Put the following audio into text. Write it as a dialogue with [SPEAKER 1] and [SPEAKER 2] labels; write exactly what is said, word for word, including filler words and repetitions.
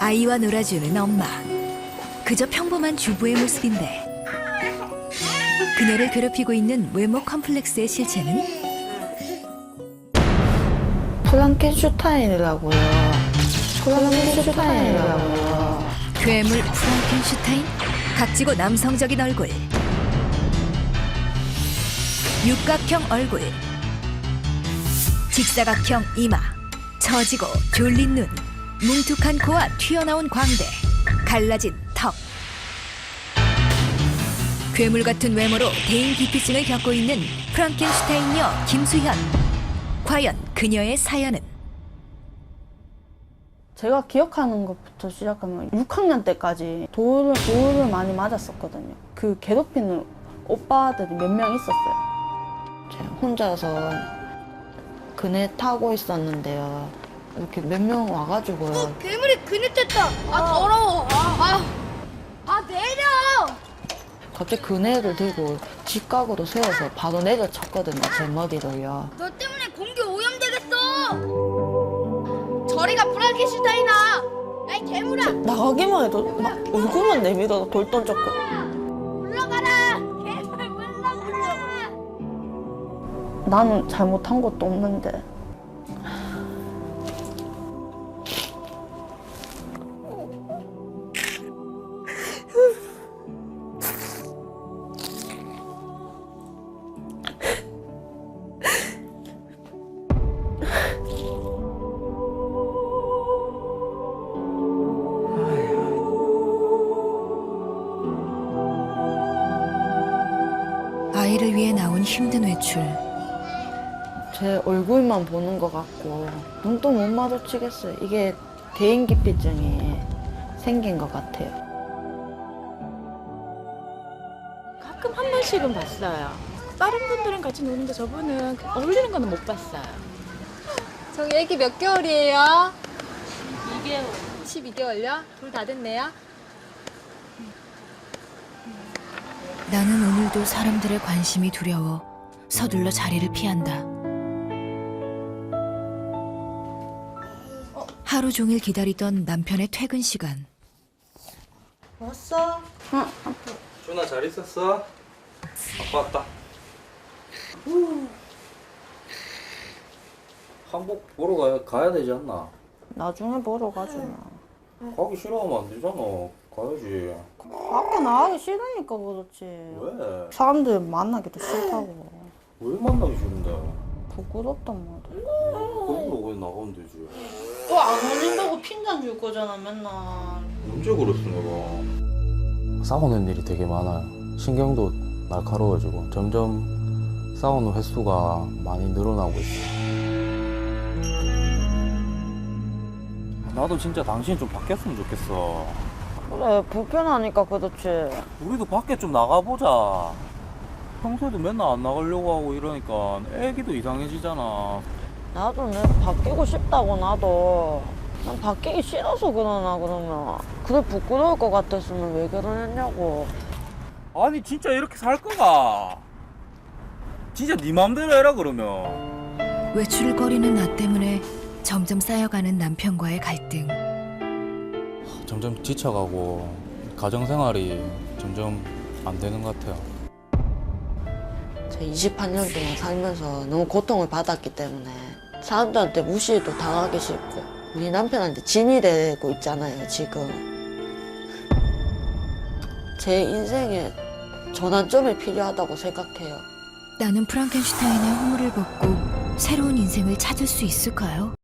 [SPEAKER 1] 아이와 놀아주는 엄마. 그저 평범한 주부의 모습인데 그녀를 괴롭히고 있는 외모 컴플렉스의 실체는
[SPEAKER 2] 프랑켄슈타인이라고요. 프랑켄슈타인이라고요.
[SPEAKER 1] 괴물 프랑켄슈타인? 각지고 남성적인 얼굴, 육각형 얼굴, 직사각형 이마, 처지고 졸린 눈, 뭉툭한 코와 튀어나온 광대, 갈라진 턱. 괴물 같은 외모로 대인 기피증을 겪고 있는 프랑켄슈타인녀 김수현. 과연 그녀의 사연은?
[SPEAKER 2] 제가 기억하는 것부터 시작하면 육 학년 때까지 돌을, 돌을 많이 맞았었거든요. 그 괴롭히는 오빠들이 몇 명 있었어요. 제가 혼자서 그네 타고 있었는데요. 이렇게 몇 명 와가지고요.
[SPEAKER 3] 어, 괴물이 그네 뗐다. 아 더러워. 아, 아, 아 내려.
[SPEAKER 2] 갑자기 그네를 들고 직각으로 세워서 바로 내려쳤거든요. 제 머리를요.
[SPEAKER 3] 너 때문에 공기 오염되겠어. 저리가 프랑켄슈타인아. 야이 괴물아.
[SPEAKER 2] 나가기만 해도 막 얼굴만 내밀어도 돌 던졌고.
[SPEAKER 3] 물러가라. 괴물 물러가라.
[SPEAKER 2] 나는 잘못한 것도 없는데.
[SPEAKER 1] 아이를 위해 나온 힘든 외출.
[SPEAKER 2] 제 얼굴만 보는 것 같고 눈도 못 마주치겠어요. 이게 대인기피증이 생긴 것 같아요.
[SPEAKER 4] 가끔 한 번씩은 봤어요. 다른 분들은 같이 노는데 저분은 어울리는 거는 못 봤어요.
[SPEAKER 5] 저기 애기 몇 개월이에요?
[SPEAKER 4] 이 개월.
[SPEAKER 5] 십이 개월요? 둘 다 됐네요?
[SPEAKER 1] 나는 오늘도 사람들의 관심이 두려워 서둘러 자리를 피한다. 하루 종일 기다리던 남편의 퇴근 시간.
[SPEAKER 2] 왔어? 응.
[SPEAKER 6] 준아 잘 있었어? 아빠 왔다. 한복 보러 가야, 가야 되지 않나?
[SPEAKER 2] 나중에 보러 가지 마.
[SPEAKER 6] 가기 싫어하면 안 되잖아. 가야지.
[SPEAKER 2] 밖에 나가기 싫으니까 그렇지.
[SPEAKER 6] 왜?
[SPEAKER 2] 사람들 만나기도 싫다고.
[SPEAKER 6] 왜 만나기 싫은데?
[SPEAKER 2] 부끄럽단 말이야.
[SPEAKER 6] 그걸로 왜 나가면 되지?
[SPEAKER 2] 또 안 어울린다고 핀잔 줄 거잖아 맨날.
[SPEAKER 6] 언제 그랬어 내가? 싸우는 일이 되게 많아요. 신경도 날카로워지고 점점 싸우는 횟수가 많이 늘어나고 있어요. 나도 진짜 당신이 좀 바뀌었으면 좋겠어.
[SPEAKER 2] 그래 불편하니까 그렇지.
[SPEAKER 6] 우리도 밖에 좀 나가보자. 평소에도 맨날 안 나가려고 하고 이러니까 애기도 이상해지잖아.
[SPEAKER 2] 나도 내 바뀌고 싶다고 나도. 난 바뀌기 싫어서 그러나 그러면. 그래 부끄러울 것 같았으면 왜 결혼했냐고.
[SPEAKER 6] 아니 진짜 이렇게 살 거가? 진짜 네 맘대로 해라 그러면.
[SPEAKER 1] 외출을 꺼리는 나 때문에 점점 쌓여가는 남편과의 갈등.
[SPEAKER 6] 점점 지쳐가고 가정생활이 점점 안 되는 것 같아요.
[SPEAKER 2] 제가 이십팔 년 동안 살면서 너무 고통을 받았기 때문에 사람들한테 무시도 당하기 싫고 우리 남편한테 짐이 되고 있잖아요 지금. 제 인생에 전환점이 필요하다고 생각해요.
[SPEAKER 1] 나는 프랑켄슈타인의 허물을 벗고 새로운 인생을 찾을 수 있을까요?